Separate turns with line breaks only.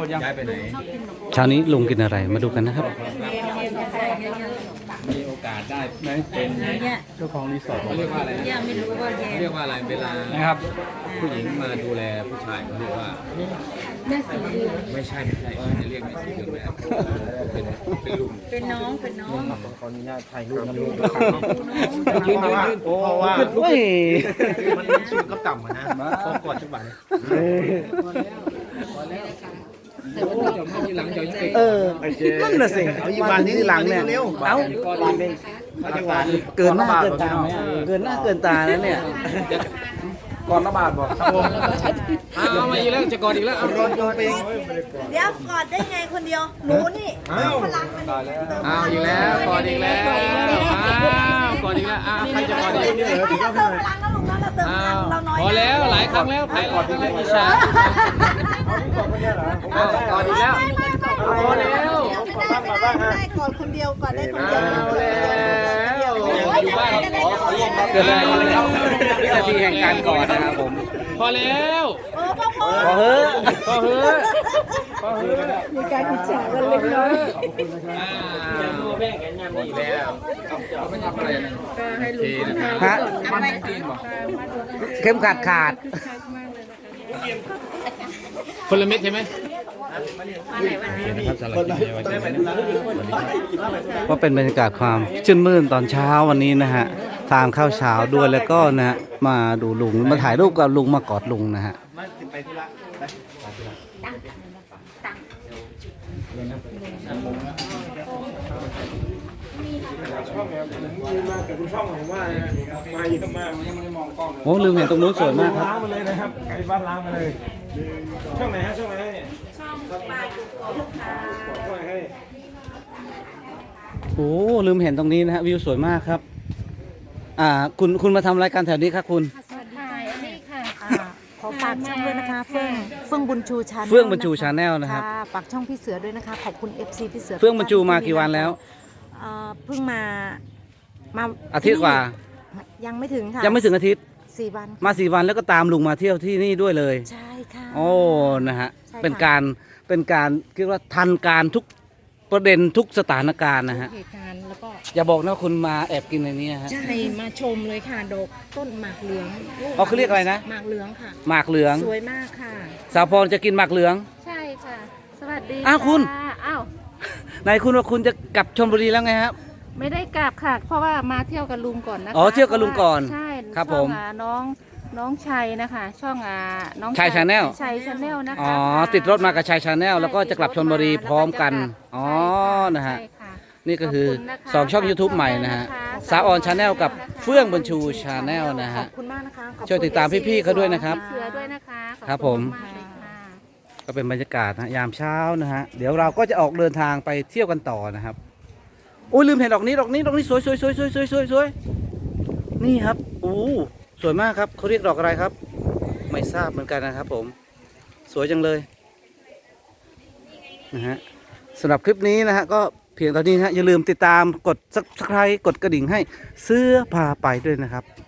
ย้ายไปไหน
เช้านี้ลุงกินอะไรมาดูกันนะครับ
มีโอกาสได้ไหมเป็นเจ้าของรีสอร์ทเขาเรียกว่าอะไรเรียกว่าอะไรเวลานะครับผู้หญิงมาดูแลผู้ชายเขาเรียกว่า
แม่สีเดือน
ไม่ใช่จะเรียกแม่สีเดือนแม่เป็นลุง
เป็นน้อง
ขออนุญาตถ่ายรูปนะลูก
ยืน
เพราะว่ามันสูงกับต่ำนะขอกอดจังหวะ
แต่ว่าจะมาทีหลังจะยังไง
นั่นน่ะสิมาที่หลังเนี่ยเอาเกินหน้าเกินตาไหมเกินหน้าเกินตาแล้วเนี่ย
ก่อนระบาดบอกครับผม
เอามาอีกแล้วจะกอดอีกแล้ว
รอนโยนไป
เดี๋ยวกอดได้ไงคนเดียวหนูนี่พลังมัน
เอาอีกแล้วกอดอีกแล้วกอดอีกแล้วใครจะกอดอีก
เราเติมพลังแล้วลุงเราเติมพลังเราน้อย
พอแล้วหลายครั้งแล้วใครกอดอีกแล้วอิจฉากอดอีกแล้วพอแล้ว
ได้กอดคนเดียวกอดได้คนเดียว
อยู่บ้าน
เกิดอะไรขึ้นครับวินาทีแห่งการกอดนะครับผม
พอแล้ว
พอเฮ้
มีการอิจฉากันเล็กน้อย
แบ่งกันงานดีแล้วเขาไม่ทำอะไรนะ
ให้ลุง
ฮะเข้มขัดขาด
คนละเม็ดใช่ไหม
ก็เป็นบรรยากาศความชื่นมื่นตอนเช้าวันนี้นะฮะทานข้าวเช้าด้วยแล้วก็นะฮะมาดูลุงมาถ่ายรูปกับลุงมากอดลุงนะฮะโอ้ลืมเห็นตรงนู้นสวยมากครับ
ล้างมาเลยนะครับไก่บ้านล้างมาเลยช่องไหนฮะช่องไหนเนี่ยช่องปลายจุดของลูกค้า
โอ้ลืมเห็นตรงนี้นะฮะวิวสวยมากครับคุณมาทำรายการแถวนี้ครับคุณ
สวัสดีค่ะขอฝากช่องด้วยนะคะเฟื่องบุญชูชาแนล
เฟื่องบุญชูชาแนลนะครับ
ฝากช่องพี่เสือด้วยนะคะขอบคุณ FC พี่เสือ
เฟื่องบุญชูมากี่วันแล้ว
เพิ่งมา
อาทิตย์กว่า
ยังไม่ถึงค่ะ
ยังไม่ถึงอาทิตย์
4 วัน
มา4 วันแล้วก็ตามลุงมาเที่ยวที่นี่ด้วยเลย
ใช่ค่ะ
โอ้นะฮะเป็นการคิดว่าทันการทุกประเด็นทุกสถานการณ์นะฮะ
เหตุการณ์แล้วก็
อย่าบอกนะคุณมาแอบกินในนี้ฮะ
ใช่มาชมเลยค่ะดอกต้นหมากเหลือง
เขาเรียกอะไรนะ
หมากเหลืองค่ะ
หมากเหลือง
สวยมากค่ะ
สาวพรจะกินหมากเหลือง
ใช่ค่ะสวัสดี
คุณไหนคุณว่าคุณจะกลับชลบุรีแล้วไงครับ
ไม่ได้กลับค่ะเพราะว่ามาเที่ยวกับลุงก่อนนะคะ
เที่ยวกับลุงก่อน
ใช่
ครับผม
น้องชัยนะคะช่องน้อง
ชัยชาแนล
นะคะ
ติดรถมากับชัยชาแนลแล้วก็จะกลับชลบุรีพร้อมกันนะฮะนี่ก็คือ2ช่อง YouTube ใหม่นะฮะสาวออนชาแนลกับเฟื่องบุญชูชาแนลนะฮะ
ขอบคุณมากนะคะ
ช่วยติดตามพี่ๆเขาด้วยนะครับ
เสือด้วยนะคะ
ครับผมก็เป็นบรรยากาศนะยามเช้านะฮะเดี๋ยวเราก็จะออกเดินทางไปเที่ยวกันต่อนะครับโอ้ยลืมเห็นดอกนี้สวยนี่ครับโอ้สวยมากครับเขาเรียกดอกอะไรครับไม่ทราบเหมือนกันนะครับผมสวยจังเลยนะฮะสำหรับคลิปนี้นะฮะก็เพียงเท่านี้นะฮะอย่าลืมติดตามกด Subscribe กดกระดิ่งให้เสื้อพาไปด้วยนะครับ